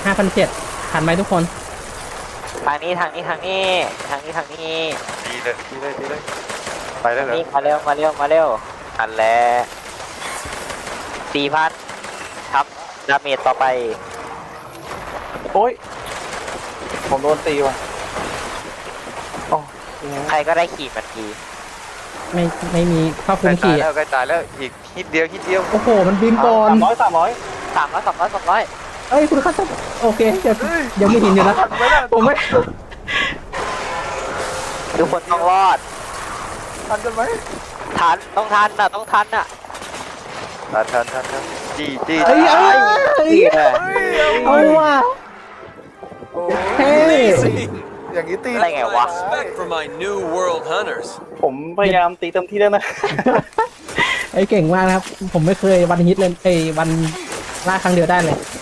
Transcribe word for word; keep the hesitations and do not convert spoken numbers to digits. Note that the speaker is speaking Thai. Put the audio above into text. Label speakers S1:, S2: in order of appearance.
S1: ห้าพันเจ็ดทันไหมทุกคน
S2: ทางนี้ทางนี้ทางนี้ทางนี้ทางนี้
S3: ดีเลยดีเลยดีเลยไปได้
S2: ทาง
S3: เหรอ
S2: นี้มาเร็วมาเร็วมาเร็วอันแล้วสี่พันครับดาเมจต่อไป
S4: โอ้ยผมโดนตีว่ะโอ้ยังไง
S2: ใครก็ได้ขี่มันที
S1: ไม่ไม่มีครอบคลุ
S3: ใกล้
S1: ม
S3: ตาย
S1: ขี่
S3: แล้วใกล้ตายแล้วอีกฮิตเดียวฮิตเดียว
S1: โอ้โหมันบินก่อน
S4: สามร้อยสามร้อย
S2: สามร้อยสามร้อยสามร้อย
S1: เอ้ยคุณคัสโอเคเดี๋ยวยังไม่เห็นอยู่นะผมไม่
S2: ทุกคนต้องรอด
S4: ทันกันไหม
S2: ทันต้องทันน่ะต้องทันน่ะ
S3: ทันทันทันทันจี้จี้
S1: เอ้ยเอ้ยเอ้ย
S2: นี่เลย
S1: เอาว่ะ
S4: โอ้
S1: เฮ้ย
S4: อย่างนี้ตี
S2: อะไรไงวะ
S5: Respect for my new world hunters.
S4: ผมพยายามตีเต็มที่แล้วนะ
S1: ไอ้ยเก่งมากนะครับ ผมไม่เคยวันฮิตเลยไอ้ยวันล่าครั้งเดียวได้เลย